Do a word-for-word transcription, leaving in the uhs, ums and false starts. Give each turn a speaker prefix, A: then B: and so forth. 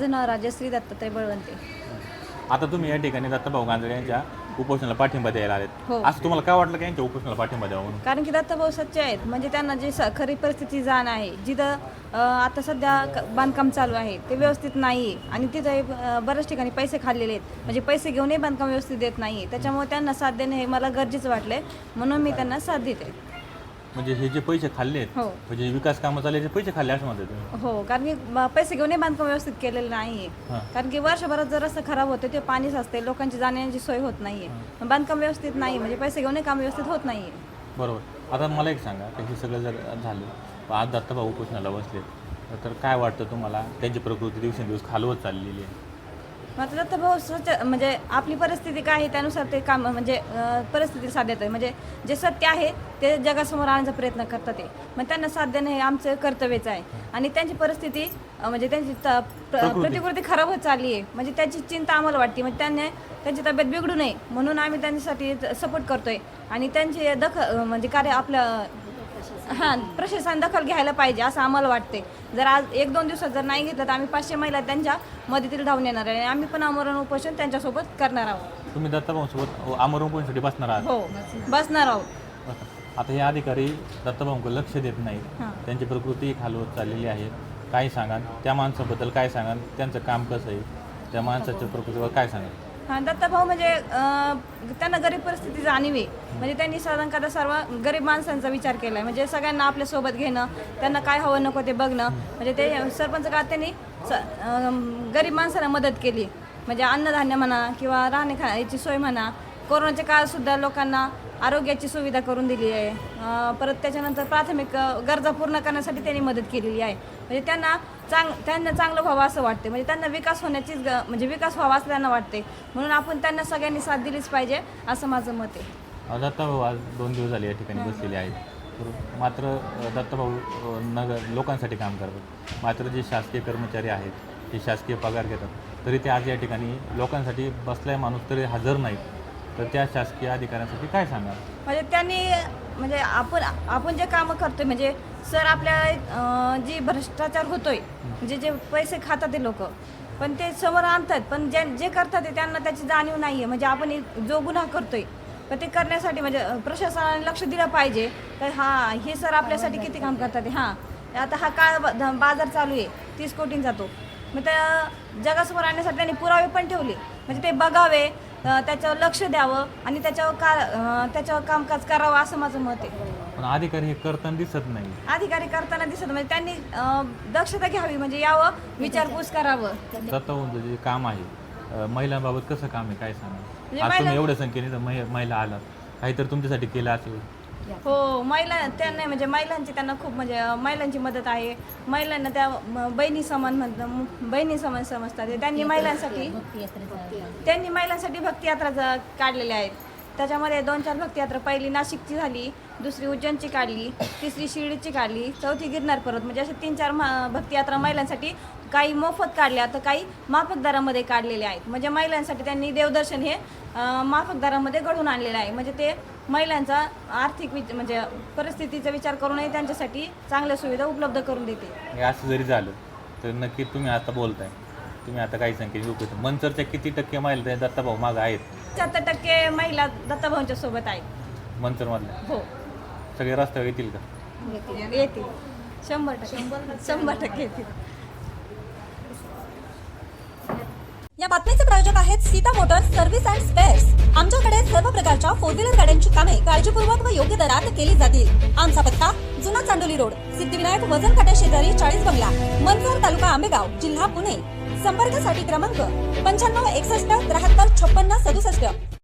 A: माझं नाव राजश्री दत्तात्रय बळवंते.
B: आता तुम्ही या ठिकाणी दत्ताभाऊ गांजळे यांच्या उपोषणाला पाठिंबा द्यायला आलेत.
A: हो.
B: असं तुम्हाला काय वाटलं की यांच्या उपोषणाला पाठिंबा द्यावा म्हणून?
A: कारण की दत्ताभाऊ सच्चे आहेत, म्हणजे त्यांना जी स खरी परिस्थिती जाण आहे, जिथं अ, आता सध्या क- बांधकाम चालू आहे ते व्यवस्थित नाही आहे आणि तिथं हे, अ, बऱ्याच ठिकाणी पैसे खाल्लेले आहेत, म्हणजे पैसे घेऊनही बांधकाम व्यवस्थित देत नाही आहे. त्याच्यामुळे त्यांना साथ देणं हे मला गरजेचं वाटलं म्हणून मी त्यांना साथ देते.
B: म्हणजे हे जे पैसे खाल्ले आहेत,
A: हो
B: म्हणजे विकास कामं चालले ते पैसे खाल्ले असं म्हणते तुम्ही?
A: हो कारण की ब- पैसे घेऊनही बांधकाम व्यवस्थित केलेलं नाही
B: हां.
A: आहे. कारण की वर्षभरात जर रस्ता खराब होते ते पाणी साचते, लोकांची जाण्याची सोय होत नाही आहे, बांधकाम व्यवस्थित नाही, म्हणजे पैसे घेऊनही काम व्यवस्थित होत नाही आहे.
B: बरोबर. आता मला एक सांगा की हे सगळं जर झालं, आज दत्ताभाऊ उपोषणाला बसले, तर काय वाटतं तुम्हाला? त्यांची प्रकृती दिवसेंदिवस खालवत चाललेली आहे.
A: मात्र दत्ताभाऊ स्वच्छ म्हणजे आपली परिस्थिती काय आहे त्यानुसार ते काम म्हणजे अं, परिस्थिती साथ देत आहे, म्हणजे जे सत्य आहे ते जगासमोर आणण्याचा प्रयत्न करतात ते, मग त्यांना साथ देणं हे आमचं कर्तव्यच आहे. आणि त्यांची परिस्थिती अं, म्हणजे त्यांची त- प्र-
B: प्रकृती.
A: प्रतिकृती खराब होत चालली आहे, म्हणजे त्याची चिंता आम्हाला वाटते, म्हणजे त्यांनी त्यांची तब्येत बिघडू नये म्हणून आम्ही त्यांच्यासाठी सपोर्ट करतोय आणि त्यांची दखल अं, म्हणजे कार्य आपलं हां प्रशासन दखल घ्यायला पाहिजे असं आम्हाला वाटते. जर आज एक दोन दिवसात जर नाही घेतलं तर आम्ही पाचशे महिला त्यांच्या मदतीला धावून येणार आहे आणि आम्ही पण आमरण उपोषण त्यांच्यासोबत करणार आहोत.
B: तुम्ही दत्ताभाऊंसोबत आमरण उपोषणासाठी बसणार आहात?
A: हो बसणार आहोत.
B: आता हे अधिकारी दत्ताभाऊंकडे लक्ष देत नाहीत,
A: हां.
B: त्यांची प्रकृती खालवत चाललेली आहे. काय सांगाल त्या माणसाबद्दल? काय सांगाल त्यांचं काम कसं आहे? त्या माणसाच्या प्रकृतीवर काय सांगाल?
A: हां दत्ताभाऊ म्हणजे अं, त्यांना गरीब परिस्थिती जाणीव आहे, म्हणजे त्यांनी साधारणतः सर्व गरीब माणसांचा विचार केला आहे, म्हणजे सगळ्यांना आपल्या सोबत घेणं, त्यांना काय हवं नको ते बघणं, म्हणजे ते सरपंच काळात त्यांनी स अं, गरीब माणसांना मदत केली, म्हणजे अन्नधान्य म्हणा किंवा राहणे खा याची सोय म्हणा. कोरोनाच्या काळातसुद्धा लोकांना आरोग्याची सुविधा करून दिली आहे. अं, परत त्याच्यानंतर प्राथमिक अं, गरजा पूर्ण करण्यासाठी त्यांनी मदत केलेली आहे, म्हणजे त्यांना चांग त्यांना चांगलं व्हावं असं वाटते, म्हणजे त्यांना विकास होण्याचीच ग म्हणजे विकास व्हावा असं त्यांना वाटते, म्हणून आपण त्यांना सगळ्यांनी साथ दिलीच पाहिजे असं माझं मत आहे.
B: अ, दत्ताभाऊ आज दोन दिवस झाले या ठिकाणी बसलेले आहेत. तर मात्र अ, दत्ताभाऊ अ, नगर लोकांसाठी काम करतात, मात्र जे शासकीय कर्मचारी आहेत ते शासकीय पगार घेतात, तरी ते आज या ठिकाणी लोकांसाठी बसलाय माणूस तरी हजर नाहीत. तर त्या शासकीय अधिकाऱ्यांसाठी काय सांगाल?
A: म्हणजे त्यांनी म्हणजे आपण आपण जे कामं करतोय, म्हणजे सर आपल्या अं, जी भ्रष्टाचार होतोय, म्हणजे जे पैसे खातात ते लोक, पण ते समोर आणतात, पण जे जे करतात ते त्यांना त्याची जाणीव नाही आहे, म्हणजे आपण एक जो गुन्हा करतोय पण ते करण्यासाठी म्हणजे अं, प्रशासनाने लक्ष दिलं पाहिजे. तर हां हे सर आपल्यासाठी किती काम करतात ते. हां आता हा काळ ब- ध- बाजार चालू आहे, तीस कोटींचा तो, मग त्या जगासमोर आणण्यासाठी त्यांनी पुरावे पण ठेवले, म्हणजे ते बघावे, अं, त्याच्यावर लक्ष द्यावं आणि त्याच्यावर का अं, त्याच्यावर कामकाज करावं असं माझं मत आहे.
B: पण अधिकारी हे करताना दिसत नाही.
A: अधिकारी करताना दिसत म्हणजे त्यांनी अं, दक्षता घ्यावी, म्हणजे यावं, विचारपूस करावं.
B: दत्ताभाऊंचं जे काम आहे, अ, महिलांबाबत कसं काम आहे काय सांगा?
A: म्हणजे
B: आज तुम्ही
A: महिला-
B: एवढ्या संख्येने तर महि- महिला आलात, काहीतरी तुमच्यासाठी केलं असेल?
A: हो महिला त्यांना म्हणजे महिलांची त्यांना खूप म्हणजे अं, महिलांची मदत आहे. महिलांना त्या म, बहिणी समान म्हणतात, बहिणी समान समजतात. त्यांनी महिलांसाठी त्यांनी महिलांसाठी भक्ती यात्रा ज- काढलेल्या आहेत. त्याच्यामध्ये दोन चार भक्ती यात्रा, पहिली नाशिकची झाली, दुसरी उज्जैनची काढली, तिसरी शिर्डीची काढली, चौथी गिरनार पर्वत, म्हणजे असे तीन चार मा- भक्ती यात्रा महिलांसाठी काही मोफत काढल्या तर काही माफक दरामध्ये काढलेल्या आहेत. म्हणजे महिलांसाठी त्यांनी देवदर्शन हे अं, माफक दरामध्ये घडवून आणलेलं आहे, म्हणजे ते महिलांचा आर्थिक विच म्हणजे परिस्थितीचा विचार करूनही त्यांच्यासाठी चांगल्या सुविधा उपलब्ध करून देते.
B: हे असं जरी झालं तर नक्की तुम्ही आता बोलताय, तुम्ही आता काही संख्येने उपयोग मंचरच्या किती टक्के महिला त्या दत्ताभाऊ मागं आहेत?
A: पंच्याहत्तर टक्के महिला दत्ताभाऊंच्या सोबत आहेत.
B: मंचरमधल्या
A: हो
B: सगळे रस्त्यावर येतील का?
A: येतील, शंभर टक्के शंभर टक्के येतील.
C: या बातमीचे प्रायोजक आहेत Sita motors service and spares. आमच्याकडे सर्व प्रकारच्या फोर व्हीलर गाड्यांची कामे काळजीपूर्वक व योग्य दरात केली जातील. आमचा पत्ता जुना चांडोली रोड, सिद्धिविनायक वजन काट्या शेजारी चाळीस बंगला, मंचर, तालुका आंबेगाव, जिल्हा पुणे. संपर्कासाठी क्रमांक पंच्याण्णव एकसष्ट त्र्याहत्तर छप्पन्न सदुसष्ट.